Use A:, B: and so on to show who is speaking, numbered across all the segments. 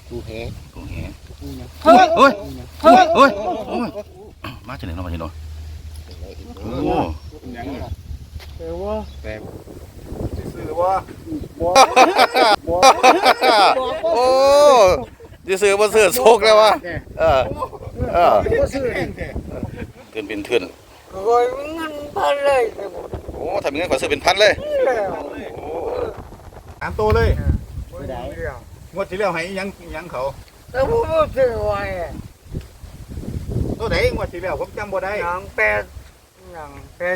A: กูแห
B: เฮ้ยเฮ้ยเฮ้ยเฮ้ยมาจากไหนเนาะมาจากไหนโอ้
C: ยังไง
A: แต่ว่า
C: แต่ซื้อว่า
B: โอ้จะซื้อมาซื้อโชคแล้ววะ
A: ก็ซื้อ
B: เกินเป็นเถื่อน
A: ก็เงินพันเลย
B: โอ้ทำยังไงขอซื้อเป็นพันเลย
C: ตามตัวเลย
A: ไม่ได้
C: งวดที่แล้วให้ยังเขา
A: แต่ผมไม่ซื้อไว้
C: ตัวไหนงวดที่แล้วผมจำบ่ได้
A: อย่างเป็ด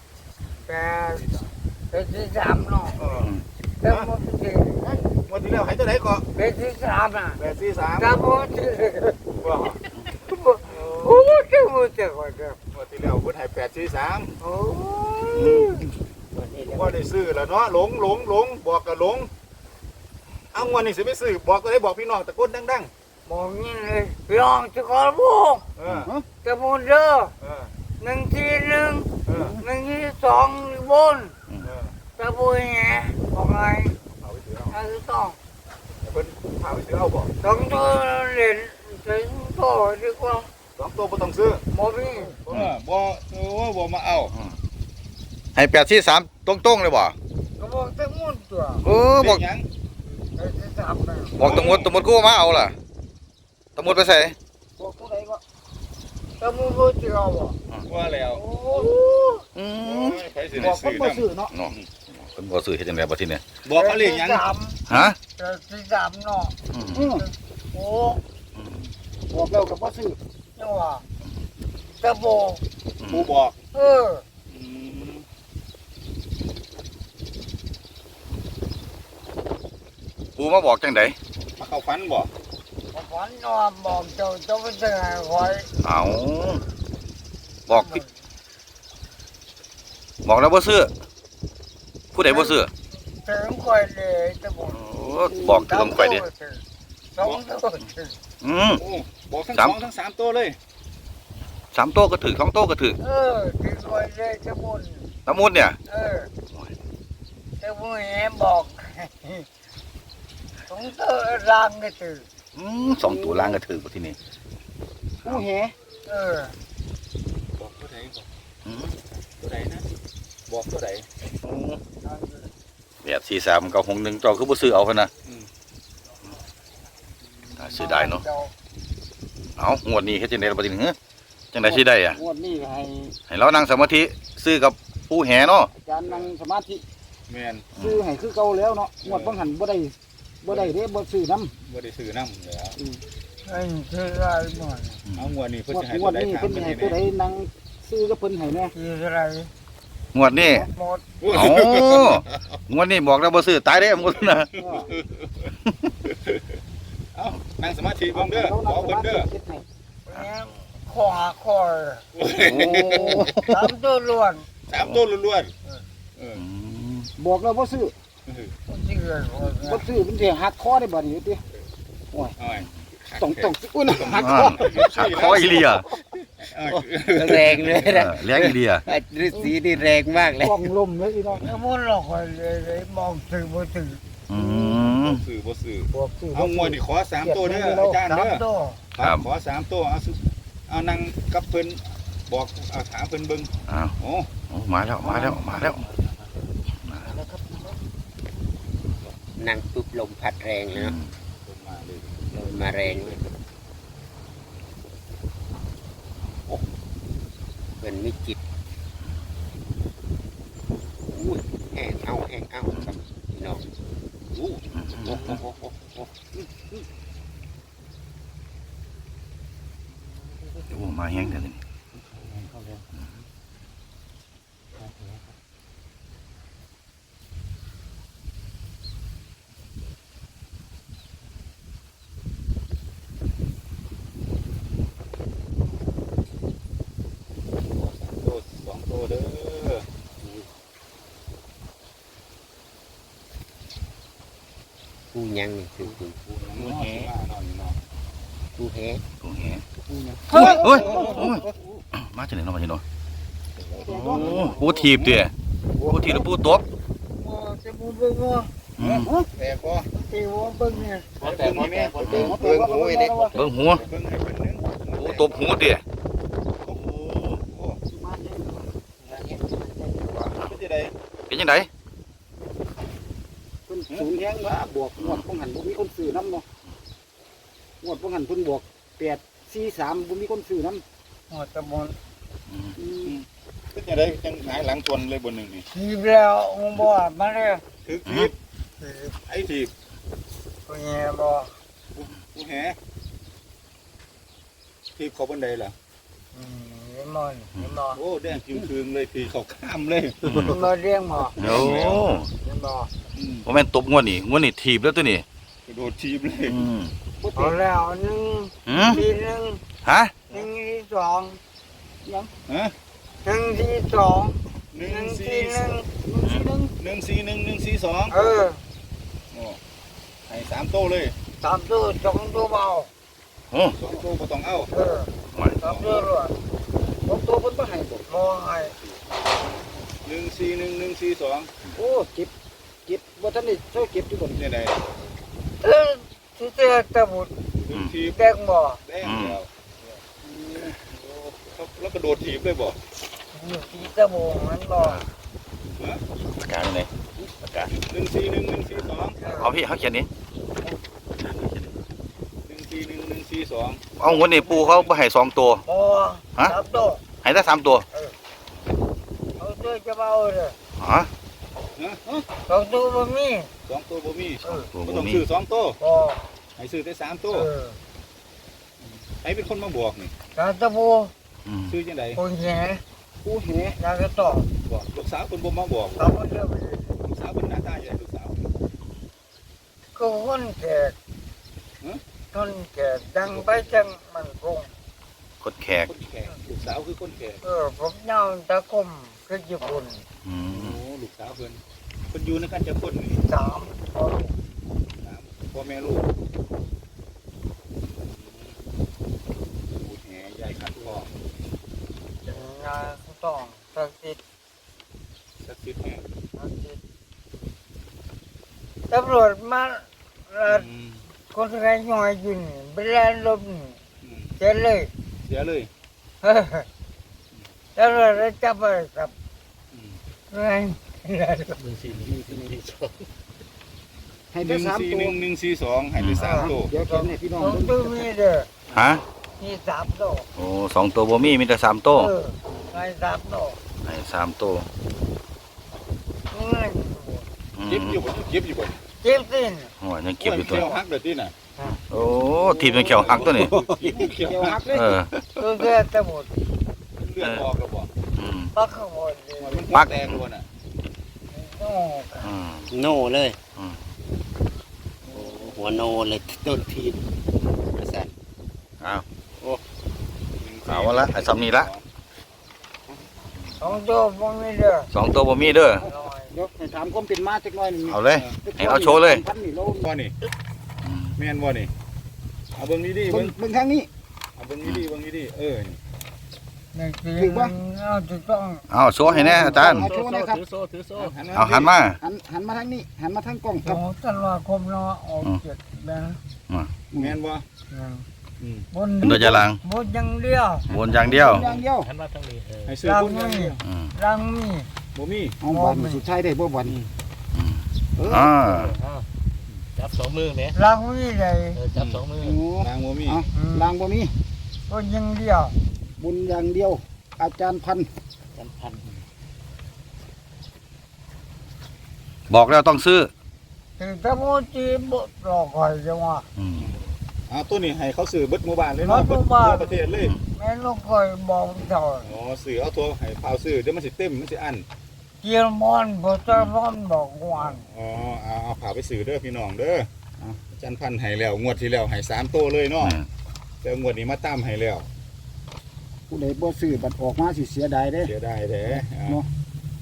A: ที่สามเนาะแล้วผมซื้อง
C: วดที่แล้วให้ตัวไหนก็
A: เป็ดที่สามน่ะ
C: 843
A: แต่ผมซื้อ
C: ว่า
A: โอ้จะมูจะก่อนเด้อง
C: วดที่แล้วเพิ่นให้843
A: โอ้
C: บ่ได้ซื้อแล้วเนาะหลงบอกก็หลงเอางวดนี้สิไปซื้อบอกก็ได้บอกพี่น้องตะโกนดัง
A: มองนี่เลยลองจะขอบุก
C: ๆ
A: จะมูเด้อ
C: เออ
A: หนึ่งทีหนึ่ง
C: เออ
A: หนึ่งทีสองบน
C: เออ
A: จะบุยไงบอกไง
C: เอาไปซื้อเอา
A: ถ้าต้อง
C: เพิ่นพาไปซื้อเอาบ่
A: ต้องตัวเล่นถึงตัวดีกว่า
C: 2ตัวบ่ต้องซื้อ
A: โมบี้
C: บ่มาเอา
B: ให้843ตรงๆเลยบ่
A: ก็บอกจะมุนตัว
B: บอก
C: ยัง
A: ไอ้ที่สามนะ
B: บอกตำรวจกูมาเอาล่ะตำรวจไปใส่
A: บอกตัวไหนก็จะมุนก็จะเอาบ่
C: ว่าแล้ว
A: โอ้
C: ไปซื้อได้ซื้อนํ
A: เนาะ
B: เนาะเป็นบ่ซื้อเฮ็ดจังได๋บ่ทีเนี่ย
C: บอกเขาเรียกยัง
B: ฮะ
A: ที่สามเนาะโอ้บอกแล้วกับว่าซื้อจังหวะจะบอก
C: ผู้บอก
B: กูมาบอกจังได๋
C: มาเข้าฝันบ่
A: ฝันนอนบอกเจ้าจะไปซื้อให้คอย
B: เอาบอกผิดบอกแล้วบ่ซื้อผู้ใดบ่ซื้อ
A: ถึงคอยเลยจะบอก
B: บอกคือต้องไปดิ
A: สองตัวถึง
C: โอ้บอกทั้งสองทั้ง3ตัวเลย
B: 3โต๊ะก็ถือ2โต๊ะก็ถือ
A: ถึงคอยเลยจะบุญ
B: น้ำมูลเนี่ย
A: จะบุญแหบอกสองตัวร่างก็ถือ
B: 2ตัวล่างก็ถือบ่ทีนี้
A: ผู้แห
C: บอกตัวไหนบอกตัวไหนนะบอกตัวไหน
B: 843กับ61เจ้าคือบ่ซื้อเอาคั่นน่ะซื้อได้เนาะเอางวดนี้เฮ็ดจังได๋ล่ะบ่ทีนี้จังได๋สิได้อ่ะ
A: งวดนี้ให้
B: เรานั่งสมาธิซื้อกับผู้แห่เนาะ
A: อาจารย์นั่งสมาธิ
C: แม่น
A: ซื้อให้คือเก่าแล้วเนาะงวดบางหันบ่ได้เด้บ่ซื้อนำ
C: บ่ได้ซื้อนำแล้ว
A: ซื้อได้หมด
C: เอางวดนี้เพิ่น
A: งวด
C: สิให้
A: ง
C: ตัว ว
A: ด
C: ใด
A: นี้
C: ถาม
A: เพิ่น
C: เพิ่น
A: ให้
C: ให้
A: ตัวใด
C: แน่
A: นั่งซื้อกับเพิ่นให้แน่ซื้ออะไร
B: งวดนี้
A: หมด
B: เอ้างวดนี้บอกแล้วบ่ซื้อตายเด้หมดนะ
C: เอานั่งสมาธิเบิ่งเด้อบอกเพิ่นเด้อ
A: ขอคอย
B: โอ้
A: สามตัวล้วน
C: 3ตัวล้วนๆ
A: บอกแล้วบ่ซื้อบ่ซื้อมันสิหักคอได้บ่นี่ติ
C: อ้อย
A: ต้องอุ้ยหักคอ
B: หักคออีเลีย
D: แรงเลยนะ
B: เลี้ยงอีเลีย
D: ฤาษีนี่แรงมากเลย
A: กล้องลมเลยพี่น้องแล้วมันหลอกเลยมองซื้อบ่ซื้อ
C: บ่ซื้อ
A: บอกซื้อ
C: เอางวดนี่ขอ3ตัวเด้ออาจารย์เด้อ
A: ตัว
C: ครับขอ3ตัวเอานั่งกับเพิ่นบอกเอาถามเพิ่นเบิ่ง
B: อ้าว
C: โอ้
B: มาแล้ว
D: นั่งปุ๊บลมพัดแรงเลยเนาะ
C: เพิ่นมาเลย
D: ลมมาแรงเลยโอ้เป็นมิจิตอุ้ยแห้งเอาครับพี่น้องอู้โอ้โอ้
B: โอ้มาแห้งเด้อนี่
C: ตัว2ตัวเด้อ
D: ผู้ยังนี่คือผู้
C: ผู้แห่นอนนอน
D: ผู้แห่
B: ผู้แห่เฮ้ยมาจากไหนเนาะมาจากไหนโอ้ผู้ถีบเด้อผู้ถีบหรือผู้ตบ
A: จะมูบ่
C: แตกบ่
A: ตีหัวเบิ่งเนี่ย
D: แต่หมอแม่เบิ่งหูไอ้เด็ก
B: เบิ่งหัว
C: เบิ่งให้เพิ่นนึง
B: โอ้ตบหูดิ
C: โอ้โหโอ้เป็นจังได๋
B: เป็นจังได
A: เพิ่นสูงแฮงว่าบวกงวดบ่หันบ่มีคนซื้อนำเนาะงวดบ่หันเพิ่นบวก843บ่มีคนซื้อนำงวดตะบน
C: เป็นจังได๋จังหงายหลังชนเลยบนหนึงนี่
A: ทีบแล้วบ่มาเลย
C: ถึกทีบไอ้ทีบ
A: ผู้ใหญ่บ่
C: ผู้แหทีบเขาบนใดล่ะ
A: นี่มันนี่บ่
C: โอ้แดงจึงคืงเลยทีเขาข้ามเลย
A: มาเลี้ยงบ่
B: โอ้
A: นี่บ่
B: บ่แม่นตบงวดนี่งวดนี่ถีบแล้วตัวนี้
C: กระโดดทีบเลย
B: อืม
A: เอาแล้ว1
B: หืม
A: ทีหนึ่ง
B: ฮะ
A: 1ทีสองยัง
C: ฮะ
A: 1ทีสอง
C: หนึ่
A: 1
C: ง
A: ที
C: สี่
A: 1
C: 141 142
A: เออ
C: โอ้ให้3โต้เลย
A: 3ตัว2ตัวเบา
B: โอ้
C: 2โต้บ่ต้องเอา
A: เออ3ตัวรวด2ตัวเพิ่นบ่ให้บ่ให้
C: 141 142
A: โอ้เก็บบ่ทันได้เซาเก็บอยู่บ่
C: เป็นจังได๋
A: เออสิเจอตะบุด
C: ถึกทีบ
A: แดงบ่
C: แดงแล้วโอ้แล้วกระโดดทีบเลยบ่
A: อยู่ที่ตะบงมันบ่
B: ปากกาอยู่ไหนปากกา
C: 141 142
B: เอาพี่เขาเขียนนี่
C: 141 142
B: เอางวดนี่ปูเขาบ่ให้2ตัว
A: บ่
B: ฮะ
A: ครับตัว
B: ให้ได้3ตัว
A: เอาตัวจะเบาเด้อ
B: ฮะ
A: 2ตัวบ่มี
C: 2ตัวบ่มี
B: ตัว
C: บ่
B: บ่
C: ต้อง
B: มี
C: ซื้อ2ตัว
A: บ่
C: ให้ซื้อแต่3
A: เอ
C: ตัว
A: อ
C: ใครเป็นคนมาบอกนี่
A: ตาตะบู
B: อืม
C: ซื้อจังได๋
A: คนแหผู้แหตากระตอก
C: บอกลูกสาวเพิ่นบ่มาบอก
A: เอามาเด้อ
C: ลูกสาวเพิ่นหน้าตาใหญ่ลูกสาว
A: ก็คนแก่คนแก่ดังไปจังมันคง
B: คนแขก
C: คนแขกลูกสาวคือคนแขก
A: ผมยาวตะคมคือญี่ปุ่น
B: อื
C: โอ้
B: ม
C: ลูกสาวเพิ่นเพิ่นอยู่ในกันจะคนนี่
A: 3
C: พ่อแม่ลูกแห่ใหญ่ขัดคอง
A: งานต้องศักดิ์สิทธิ์
C: สักสิทธิ์แห่
A: ตำรวจมาคนไทยย่อยอยู่นี่เวลาลบนี่เจ๊เลย
C: เสียเลย
A: ตำรวจได้จับไปกับไง
C: ให้ได้3ตัว141ให้ได้3ตัว
A: เดี๋ยวกันให้พี่น้องตัวมีเด้อ
B: ฮะ
A: มี3ตัว
B: โอ้2ตัวบ่มีมีแต่3ตัว
A: ไง3ตัว
B: ให้3ตัว
A: เงิน
B: อืม
C: เก็บอยู่บ่เก็บอยู่บ่
A: เจ็บสิน
B: โอ้ยยังเก็บอยู่ตัว
C: เขียวหักเด้อติน่ะ
B: โอ้ทีมยังเขียวหักตัวนี่
C: เขียวหัก
B: เออ
A: ตัวเสื้อตะบุด
C: เลือดออกแล้วบ่
B: อืม
A: ปักขบวนเลย
C: มันปักแตกแล้วน่ะ
A: โอ้
B: อืม
D: โน่เลย
B: อืม
D: หัวโน่เลยต้นทีนประสาน
B: เอาเอาละไอ้ซ้ำนี่ละ
A: 2ตัวบ่มีเด้อ
B: 2ตัวบ่มีเด้อ
A: เดี๋ยวให้ถามความเป็นมาจักหน่อยนึง
B: เอาเลยให้เอาโชว์เลย
A: พันนี่โล
C: บ่นี่
B: อืม
C: แม่นบ่นี่เอาเบิ่งดีๆ
A: เบิ่
C: เบิ่
A: ง
C: ง
A: เบิ่งทางนี้
C: เอาเบิ่งดีๆเบิ่งดีๆนี่
A: ถูกป่ะเอาถูกต้อง
B: เอาโชว์ให้แน่อาจารย์
A: เอาโชว์หนะครับ
B: เอาหันมา
A: หันมาทางนี้หันมาทางกล้องครับธันวาคมเนาะออก7แบง
C: แม่นบ่
A: บน
B: เป็นตัวจะลัง
A: บนอย่างเดียว
B: วนอย่างเดียว
A: อย่างเดียว
C: ให้ซื้อ
A: รัง
C: บุญอย่าง
A: มี
C: เดียว
B: อืม
A: รังมี
C: บ่มี
A: เอาบอลสุดท้ายได้บ่บอล
B: อืมอ่า
E: จับสองมือไหม
A: รังมีได้
E: จับสองมือ
C: นางบ่มี
A: รังบ่มีบนอย่างเดียวบนอย่างเดียว อาจารย์พันธุ์
E: จันพัน
B: บอกแล้วต้องซื้อ
A: ถึงตะโมจีบ่รอคอยจังว่า
B: อืม
C: ตัวนี้ให้เขาซื้อเบิดหมู่บ้านเลยเนาะ
A: เบิดหมู่บ้าน
C: ทั่วประเทศเลย
A: แม่นกคอยบอกเจ้า
C: อ๋อซื้อเอาตัวให้พาวซื้อเดี๋ยวมันสิเต็มมันสิอั้น
A: เกียร์มอนบ่ตะมอนบอกว่า
C: อ๋อเอาพาไปซื้อเด้อพี่น้องเด้ออาจารย์พันธุ์ให้แล้วงวดที่แล้วให้3โตเลยเนาะแต่งวดนี้มาตามให้แล้ว
A: ผู้ใดบ่ซื้อบัดออกมาสิเสียดายเด้
C: เสียดายแท้
A: เนาะ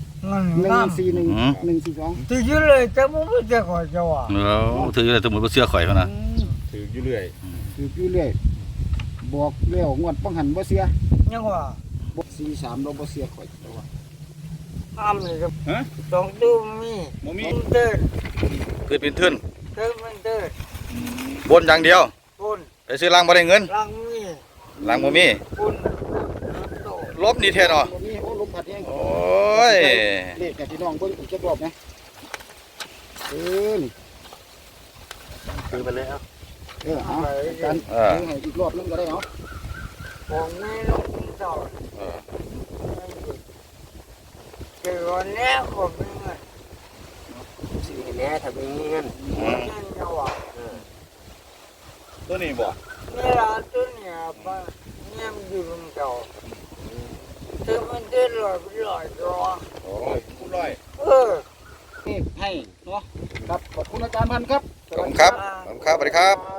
A: 141 142ถืออยู่เลยแต่บ่รู้จักว่าเจ้าว่า
B: แล้วถืออะไรสมมุติว่าเสื้อข่อยเขานะ
C: ถืออยู่เรื่อย
A: ถืออยู่เรื่อยบอกแล้วงวดป้องหันบ่เสียยังว่าบ่43เราบ่เสียข่อยแต่ว่าห้ามเลยครับ
C: ฮะ
A: สองตู้มี
C: บ่มี
A: เดิน
B: คือเป็นทื่น
A: เดินมันเดิน
B: บนอย่างเดียว
A: บน
B: ไปซื้อล่างบ่ได้เงิน
A: ล่างมี
B: ล่างบ่มี
A: บนโต
B: ลบนี่แท้เนาะ
A: บ่มีโอ้ลมพัดแห้ง
B: โอ้ย
A: เลขกับพี่น้องเบิ่งอีกจักรอบนะนี่
E: คือไปเลยครับ
A: เอาอาจารย์ให้อีกรอบนึงก็ได้เนาะของแม่ลูกต่อ
B: เออ
A: เจอวันนี้ผมมีเงิน
D: ซื้อให้แน่ถ้ามีเงิน
B: อืม
A: เงินจะว่า
C: ตัวนี้บ่
A: นี่ละตัวเนี่ยปะเนี่ยมันอยู่ตรงเก่าถึงมันเดินลอยตัว
C: โอ้ยผู้ร้อย
A: นี่ให้เนาะครับขอบคุณอาจารย์พันธุ์ครับ
B: ขอบคุณครับขอบคุณครับสวัสดีครับ